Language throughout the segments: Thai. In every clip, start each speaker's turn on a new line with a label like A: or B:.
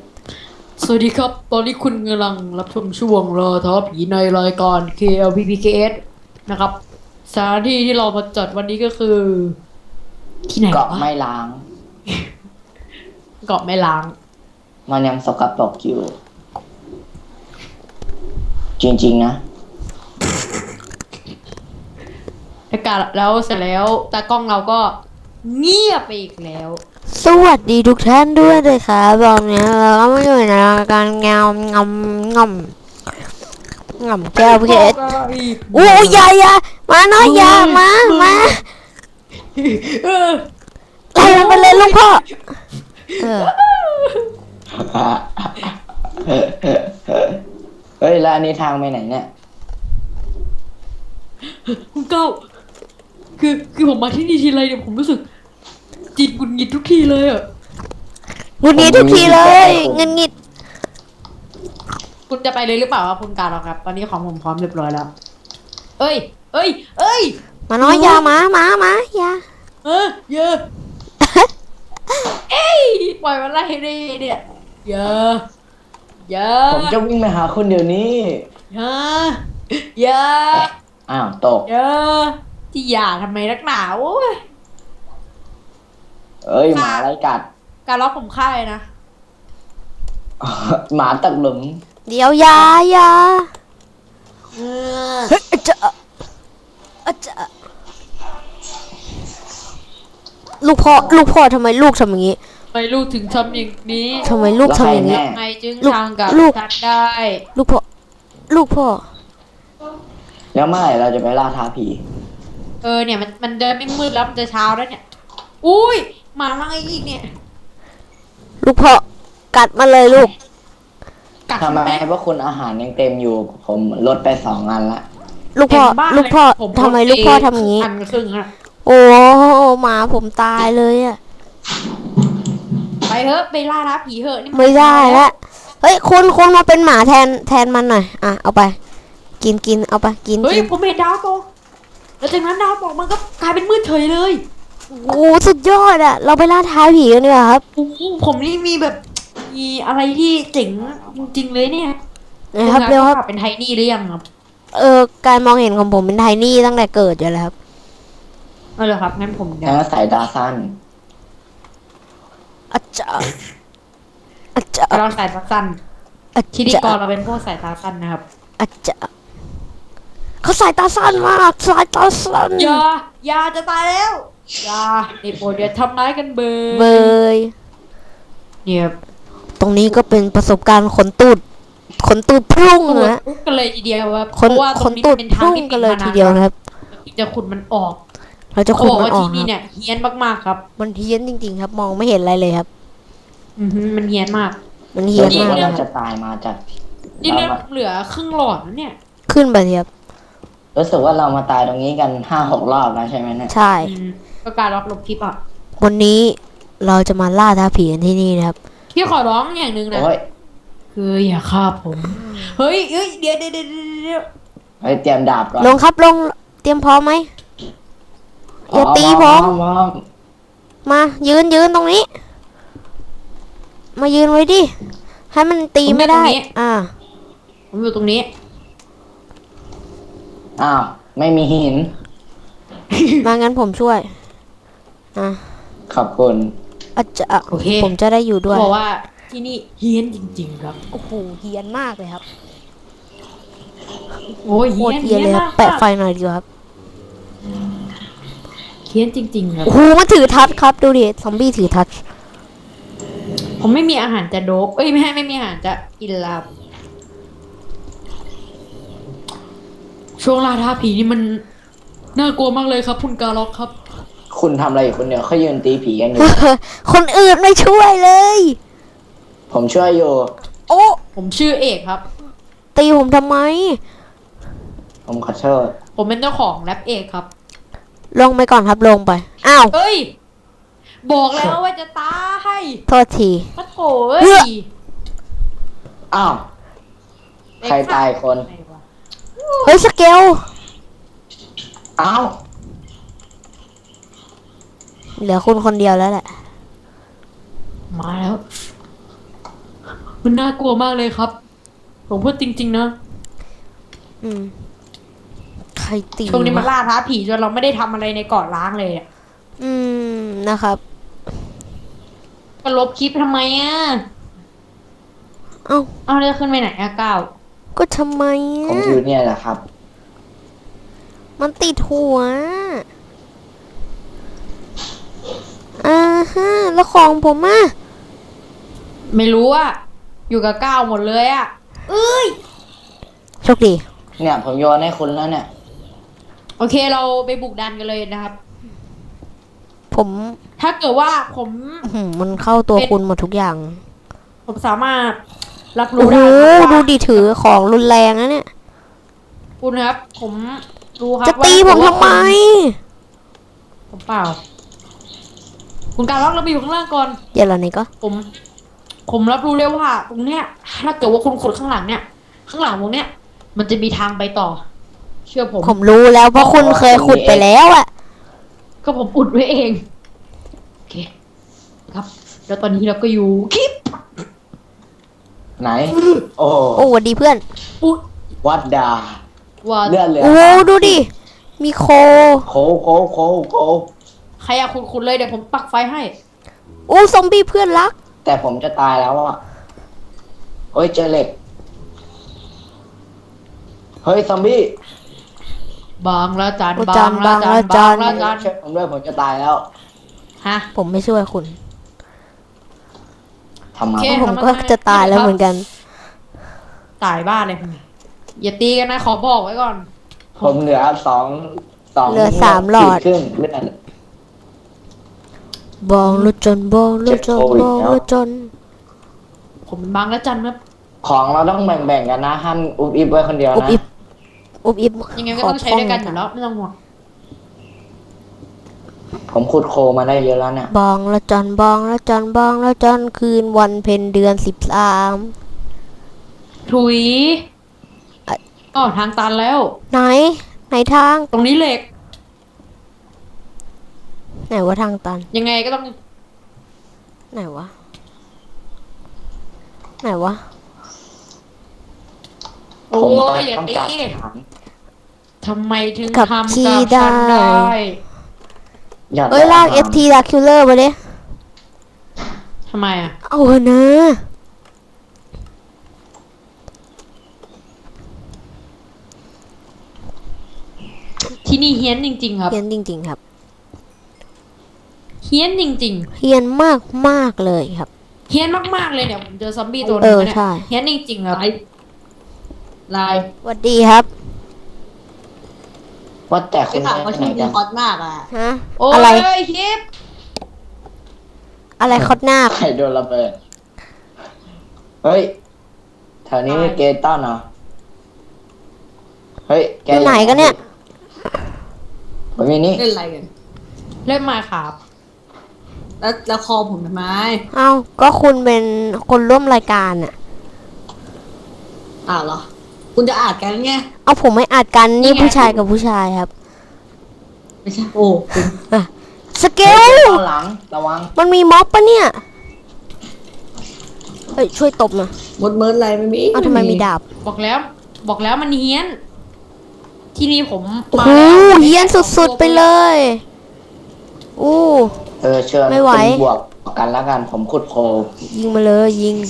A: สวัสดีครับ ตอนนี้คุณกำลังรับชมช่วงรอท้อผีในรายการ KLPPKS นะครับสถานที่ที่เรามาจัดวันนี้ก็คือ ที่ไหน
B: เกาะ
A: วะ
B: ไม่ล้าง
A: เกาะแม่ล้าง
B: มันยังสกปรกอยู่ จริงๆนะ
A: อากาศแล้วเสร็จแล้วตากล้องเราก็เงียบไปอีกแล้ว
C: สวัสดีทุกท่านด้วยเลยค่ะบอกเนี้ยเราก็มาอยู่ในรายการงำแก้วพี่เอสโอ้ยอย่ามาหน่อยอย่ามา
A: เออ
C: ไล่มันไปเลยลูกพ่อเออ
B: เฮ้ย แล้วอันนี้ทางไปไหนเนี่ย
A: คุณเก้าคือผมมาที่นี่ทีไรเนี่ยผมรู้สึกจิตหงุดหงิดทุกทีเลยอ่ะ
C: งุนงิดทุกทีเลยเงินงิด
A: คุณจะไปเลยหรือเปล่าครับคุณการหรอครับ ตอนนี้ของผมพร้อมเรียบร้อยแล้ว เอ้ย เอ้ย เอ้ย
C: มาน้อยอย่ามาอย่า
A: เยอะ เอ้ยปล่อยมันไล่ดิเนี่ยเยอะเยอะ
B: ผมจะวิ่งไปหาคุณเดี๋ยวนี้
A: เยอะเยอะ
B: อ้าวตก
A: เยอะที่อย่าทำไมนักหนาโอ้ย
B: เอ้ย หมาไล่กัด
A: การล็อกผมฆ่าเลยนะ
B: หมาตกหลุม
C: เดี๋ยวอย่า
A: เออ
C: เฮ้ยจะลูกพ่อทำไมลูกทำอย่างนี้
A: ทำไมลูกถึงทำอย่างนี้
C: ทำไมลูกทำอย่างนี้
B: แล้วใครแน่
A: ทำไมจึง
C: ลูก
A: ทำกับ
C: ลูก
A: ฉันได้
C: ลูกพ่อ
B: แล้วเมื่อไหร่เราจะไปล่าท้าผี
A: เนี่ยมันเดินไม่มืดแล้วมันจะเช้าแล้วเนี่ย อุ้ยหมามาอีกเนี่ย
C: ลูกพ่อกัดมาเลยลูก
A: กัด
B: ทำไม
A: แม่
B: พวกคุณอาหารยังเต็มอยู่ ผมลดไป2 อันละ
C: ลูกพ่อ
A: เต็มบ้าน
C: ลูกพ่อ
A: เลยผม
C: ทำไมลูกพ่อทำอย่างนี้
A: อันครึ่งอะ
C: โอ้หมาผมตายเลยอ่ะ
A: ไปเถอะไปล่าท้าผีเถอะนี่น
C: ไม่ได้ละเฮ้ยคุณมาเป็นหมาแทนมันหน่อยอ่ะเอาไป กินเอาไปกิน
A: เฮ้ยผมเห็นดาวตกแล้วจากนั้นดาวตกมันก็กลายเป็นมืดเฉยเลย
C: โอ้สุดยอดอ่ะเราไปล่าท้าผีกันดีกว่าครับ
A: โอ้โหผมนี่มีแบบมีอะไรที่เจ๋งจริงๆเลยเนี่ย
C: นะครับเร็วครับ
A: เป็นไทนี่หรือยังครับ
C: การมองเห็นของผมเป็นไทนี่ตั้งแต่เกิดอยู่แล้วครับ
A: เอาเลยครับงั้นผมเดี๋ยว
B: แล้วสายตาสั้น
C: อาจารย์
A: เราสายตาสั้นพิธีกรเราเป็นพวกสายตาสั้นนะครับ
C: อาจารย์เขาสายตาสั้นมากสายตาสั้น
A: อย่าจะตายแล้วอย่าไอ้โปรดอย่าทำร้ายกันเบ
C: เบ
A: ย
C: ย
A: เนี่ย
C: ตรงนี้ก็เป็นประสบการณ์ขนตูดพุ่ง
A: ตูด
C: นะ
A: ปุ๊บกันเลยทีเดียวครับ
C: ขน
A: เพราะว่าต
C: ข
A: รง
C: น
A: นี้
C: ตู
A: มั
C: ด
A: นเป็นทาง
C: พุ่ง
A: ที่
C: กันเลย
A: ปิ
C: ที
A: ด
C: เดียว
A: มานาน
C: นะครับ
A: จะขุดมันออก
C: เราจะ
A: เขา
C: ขุด
A: บอก
C: มัน
A: ว่า
C: ออ
A: ที่
C: ก
A: นี่
C: ครับ
A: เนี่ยเฮี้ยนมากๆครับ
C: มันเฮี้ยนจริงๆครับ มองไม่เห็นอะไรเลยครับ
A: มันเฮี้ยนมาก
C: มันเฮี้ยน
B: รู้สึก
C: มาก
B: ว่า
C: เลย
B: เรา
C: ค
B: จะ
C: รับ
B: ตายมาจาก
A: นี่
B: เรา
A: เลือด
B: มา
A: เหลือครึ่งหลอดแล้วเนี่ย
C: ขึ้นไปเลยครับ
B: รู้สึกว่าเรามาตายตรงนี้กัน5-6 รอบแล้วใช่ไหมเนี่ย
C: ใช่
A: ก็การรับลบคลิปอ่ะ
C: วันนี้เราจะมาล่าท้าผีกันที่นี่นะครับ
A: พี่ขอร้องอย่างหนึ่งนะ
B: โอ้ย
A: คืออย่าฆ่าผม เฮ้ยเดี๋ยว
B: เฮ้ยเตรียมดาบก่อน
C: ลงครับลงเตรียมพร้อมไหม อย่าตีผม
B: พร้อม
C: มายืนตรงนี้ มายืนไว้ดิ ให้มันตีไม่ได้
A: ผมอยู่ตรงนี้
B: อ้าว ไม่มีหิน
C: มางั้นผมช่วยอ่ะ
B: ขอบคุณ
C: อาจจะ
A: โอเค
C: ผมจะได้อยู่ด้วย
A: บอกว่าที่นี่เฮี้ยนจริงๆครับ
C: โอ้โหเฮียนมากเลยครับ
A: โอ้ย
C: โค
A: เฮี้ย
C: ต
A: น
C: รเฮียนเลยค
A: มา
C: รับ
A: ก
C: แปะไฟหน่อยดีกว่าครับ
A: เฮี้ยนจริงๆครับ
C: โอ้โหมันถือทัชครับดูดิซอมบี้ถือทัช
A: ผมไม่มีอาหารจะโดบไม่มีอาหารจะกินลาบช่วงล่าท้าผีนี่มันน่ากลัวมากเลยครับคุณกาล็อกครับ
B: คุณทำอะไรอยู่คนเดียวเขายืนตีผีกันอยู่
C: คนอื่นไม่ช่วยเลย
B: ผมช่วยอยู่
C: โอ้
A: ผมชื่อเอกครับ
C: ตีผมทำไม
B: ผมขอโทษ
A: ผมเป็นเจ้าของแรปเอกครับ
C: ลงไปก่อนครับลงไป อ้าว
A: เอ้ย บอกแล้วว่าจะตาย
C: โทษที
A: ปะโถเอ้
C: เฮ้
A: ย
C: ย
B: อ้าว ใครตายคน
C: เฮ้ยสเกล
B: อ้าว
C: เหลือคุณคนเดียวแล้วแหละ
A: มาแล้วมันน่ากลัวมากเลยครับ ผมพูดจริงๆนะ
C: อืมใครตี
A: ช่วงนี้มัน
C: วะ
A: ล่าท้าผีจนเราไม่ได้ทำอะไรในเกาะล้างเลยอะ
C: อืมนะครับ
A: ก็ลบคลิปทำไมอะ
C: เอ้า
A: เอาจะขึ้นไปไหนอะก้าว
C: ก็ทำไม
B: ผม
C: อ่ะ
B: อยู่เนี่ยแหละครับ
C: มันติดหัวอ่าฮะแล้วของผมอ่ะ
A: ไม่รู้อะอยู่กับก้าวหมดเลยอะเอ้ย
C: โชคดี
B: เนี่ยผมโยนให้คุณแล้วเนี่ย
A: โอเคเราไปบุกดันกันเลยนะครับ
C: ผม
A: ถ้าเกิดว่าผม
C: มันเข้าตัวคุณหมดทุกอย่าง
A: ผมสามารถรับ
C: โอ้
A: รู้
C: โห
A: ได้ครับ
C: ดู
A: ว่า
C: ดิถือของรุนแรงนะเนี่ย
A: คุณครับ ผมรู้ครับ
C: จะตีผมทำไม
A: ผมเปล่า คุณการล็อกเราไปอยู่ข้างล่างก่อน
C: เดี๋ยวเรานี่ก็
A: ผมรับรู้เลยว่าตรงเนี้ยถ้าเกิดว่าคุณขุดข้างหลังเนี่ย ข้างหลังตรงเนี้ย มันจะมีทางไปต่อ เชื่อผม
C: ผมรู้แล้วเพราะคุณเคยขุดไปแล้วอ่ะ
A: ก็ผมอุดไว้เอง โอเค ครับ แล้วตอนนี้เราก็อยู่คลิป
B: ไหน โอ้
C: โอ้หวัดดีเพื่อน
A: อุด
B: วัดดา
A: ว่า
B: เลือดเหลือ
C: โอ้
B: 30
C: ดูดิ มีโค
B: โคโค
A: ใครอยากขุดเลยเดี๋ยวผมปักไฟให้
C: โอ้ซอมบี้เพื่อนรัก
B: แต่ผมจะตายแล้วอ่ะเฮ้ยเจอเหล็ก เฮ้ยซอมบี้
A: บางละจัน
C: โอ้
A: บา
C: จั
A: ง
C: น
A: ละจัน
C: บางละจั
A: บาน งละจัน
B: ช่วยผมด้วยผมจะตายแล้ว
A: ฮะ
C: ผมไม่ช่วยคุณ
B: ทำไม
A: โอเค
C: ผมก็จะตายแล้วเหมือนกัน
A: ตายบ้านเลยอย่าตีกันนะขอบอกไว้ก่อน
B: ผมเหลือสอง
C: เหลือ3หลอด
B: ขีครึ่งเลือด
C: บองรถจนบองรถจน
B: เจ็บโควิด
C: บอง
B: แล้ว
C: รถจน
A: ผมเป็นบางละจันครับ
B: ของเราต้องแบ่งๆกันนะห้ามอุบอิบไว้คนเดียว
C: อุบ
B: นะ
C: อิบอุบอิบ
A: ยังไงก็ต้องใช้ด้วยกันอยู่แล้วไม่ต้องห่วง
B: ผมขุดโคมาได้เยอะแล้วเนี่ย
C: บองละจนบองละจนบองละจนคืนวันเพ็ญเดือน13
A: ถุยอ๋อทางตันแล้ว
C: ไหน ไหนทาง
A: ตรงนี้เหล็ก
C: ไหนว่าทางตัน
A: ยังไงก็ต้อง
C: ไหนวะ ไหนวะ
A: โอ้
B: ผม
A: ยอย่า
B: ต้อง
A: ตี
B: การฐาน
A: ทำไมถึง
C: กับ
A: ทำ
C: ขี้
A: กับ
C: ได้
A: ฉันได้
B: อยาก
C: เอ้ยลาก
B: ได้
C: FT ลากคิลเลอร์มาดิ
A: ทำไมอ่ะ
C: เอาเถอะนะ
A: ที่นี่เฮี้ยนจริง ๆ ครับ
C: เฮียนจริงๆครับ
A: เฮี้ยนจริง
C: เฮียนมากมากๆเลยครับ
A: ๆเฮี้ยนมากๆเลยเนี่ยผมเจอซอมบี้ตัวหนึ
C: เอง อ
A: เนี่ย
C: ใช่
A: เฮี้ยนจริงๆครับลาย
C: สวัสดีครับ
B: ว่าแต่คุ
D: ไป
B: ณ
D: ถามเขา
B: ไป
D: ชื่
B: ไหน
D: อ
B: กัน
D: ฮอตมากอ่ะ
C: ฮะ
A: โอ้
C: อะไร
A: ยคลิป
C: อะไรคอดหน้าบ
B: ใครโดนระเบิด เฮ้ยแถวนี้มีเกย์ต้อนเหรอเฮ้ยแก
C: อยู่ไหนกันเนี่ย
B: ผมมีนี่
D: เล่นอะไรกัน
A: เล่นมาครับ
D: แล้วคอผมทำไม
C: เอ้าก็คุณเป็นคนร่วมรายการอะ
D: เหรอ คุณจะอ่านกันไง
C: เอาผมไม่อัดกันนี่ผู้ชายกับผู้ชายครับ
D: ไม่ใช่ โอ้คุณ
C: สเก
B: เฮ้ย
C: ล
B: ต้อนหลังระวัง
C: มันมีม็อบปะเนี่ย เฮ้ย ช่วยตบหน่อย
D: มดเมิร์ดอะไรไม่มี
C: เอ้าทำไมมีดาบ
A: บอกแล้วมันเฮี้ยน ที่นี่ผม
C: โอ้
A: มา
C: โห
A: แล้ว
C: เฮียนสุดๆไปเลยอู้
B: เชิญ
C: ไม่ไหว
B: คุณบวกกันแล้วกัน ผมขุดโค
C: ยิงมาเลยยิง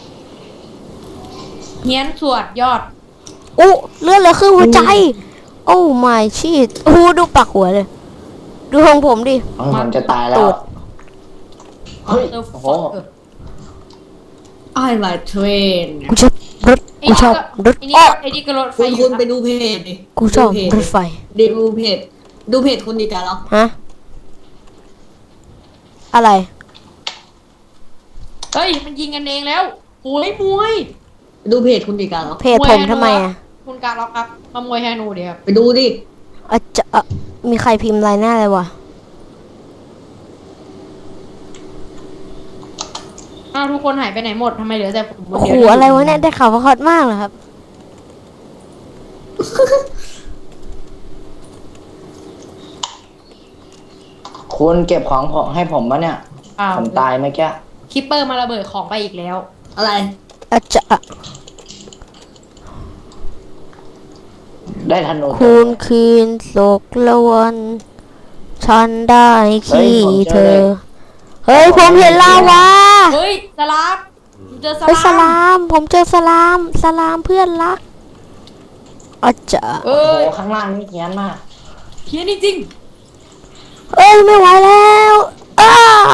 A: เฮี้ยนสวดยอด
C: อู้เลือดเหลือครึ่งหัวใจ โอ้ my shit อู้ดูปากหัวเลย ดูของผมดิ
B: ผมจะตายแล้
C: ตู
B: ว
C: ด
B: เฮ้ย
A: เออ
B: โอ้โห
D: ไอ้ไลท์เทรน
C: กูชอบรถ กูชอบรถ
A: ไอ้นี่
C: อ้อ
A: ไอ้นี่ก็รถไฟ
D: คุณ
A: อ
D: คุ
A: ยู่
D: ณ
A: นะ
D: ไปดูเพจดิ
C: กูชอบ
D: ดูเพจ
C: รถไฟ
D: ดูเพจ ดูเพจคุณดีกันเหรอ
C: ฮะ อะไร
A: เฮ้ยมันยิงกันเองแล้วโอ้ยมวย
D: ดูเพจคุณดีกันเหรอ
C: เพจผมทำไมอ่ะ
A: คุณการล็อกครับมามวยแฮนูเดียวครับ
D: ไปดูดิ
C: อาจจะมีใครพิมพ์อะไรหน้าเลยวะ
A: อ้าวทุกคนหายไปไหนหมดทำไมเหลือแต่ผมคน
C: โอ้
A: เดี
C: โห
A: ยว
C: อะไรวะเนี่ย ได้ข่าวว่าฮอตมากเหรอครับ
B: คุณเก็บของให้ผมปะเนี่ย
A: อ้าว
B: ผมตายเมื่อกี้
A: คิปเปอร์มาระเบิดของไปอีกแล้ว
D: อะไร
C: อาจจะ
B: ได้ธนู
C: คืนคืนโศกละวัน ฉันได้ขี้เธอ เฮ้ย ผมเห็นลาวา
A: เฮ้ยสลามเจอส
C: เฮ้ยส
A: ลาม
C: ลาม ผมเจอสลาม สลามเพื่อนรักอาจจะ
A: เอ้
B: โอ้
A: ย
B: ข้างล่างนี่เขียนมาก
A: เพี้ยนจริง
C: เอ้ยไม่ไหวแล้วอ้า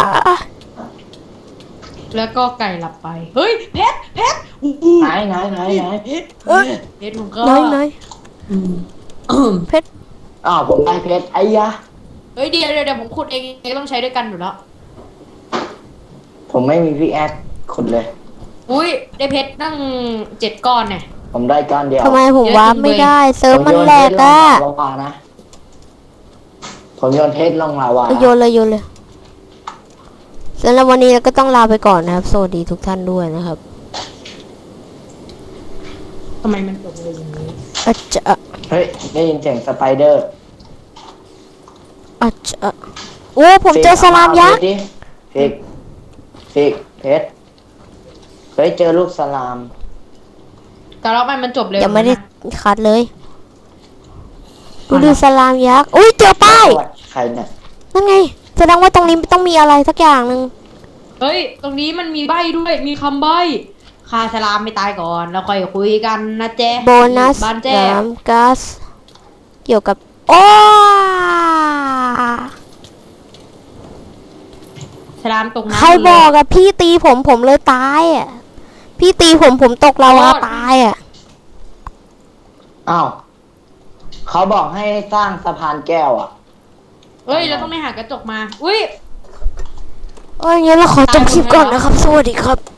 A: ๆแล้วก็ไก่หลับไป เฮ้ยเพชรอู้หู
B: ไหน
C: เอ้ย
A: เพชรผมก็
C: น้อยน้อย
A: อืม
C: เพชร
B: อ้าวผมได้เพชรไอ้ยะ
A: เฮ้ยเดี๋ยวผมขุดเองต้องใช้ด้วยกันอยู่แล้ว
B: ผมไม่มีพี่แอดขุดเลย
A: อุ้ยได้เพชรตั้ง7 ก้อนเนี่ย
B: ผมได้ก้อนเดียว
C: ทำไมผม
A: เยอะ
C: วาร์ป
A: จริง
C: ไม่
A: เว้ย
C: ได้ เซิร์ฟมันแหลกอะ
B: ลงลาวานะ ผมโยนเพชรลงลาวา
C: โยนเลยโยนเลยสำหรับวันนี้เราก็ต้องลาไปก่อนนะครับ สวัสดีทุกท่านด้วยนะครับ
A: ทำไมมันจบเลยอย่างนี้
C: อาจจะ
B: เฮ้ย ได้ยินเสียงสไปเดอร์
C: อาจจะโอ้ผมเจอสลามยักษ์
B: ฟิกเพชรเฮ้ยเจอลูกสลาม
A: แต่แล้วมันจบเร็ว
C: ยังไม่ได้
A: นะ
C: คัดเลยดูสลามยักษ์อุ้ยเจอป้าย
B: ใครเนี่ย
C: นั่นไงแสดงว่าตรงนี้ต้องมีอะไรสักอย่างหนึ่ง
A: เฮ้ยตรงนี้มันมีใบด้วยมีคำใบฆ่าสลามไม่ตายก่อนแล้วค่อยคุยกันนะเจ๊
C: โบนัส
A: บ้านแจ๊
C: น้ำก๊าซเกี่ยวกับโอ้
A: สลามตกน้ำ
C: ใครบอกอะพี่ตีผมเลยตายอะพี่ตีผมตกลาวาตายอะ
B: อ้าวเขาบอกให้สร้างสะพานแก้วอ่ะ
A: เฮ้ยเราต้องไปหากระจกมาอุ้ย
C: เอ้ยงั้นเราขอจบคลิปก่อนนะครับ สวัสดีครับ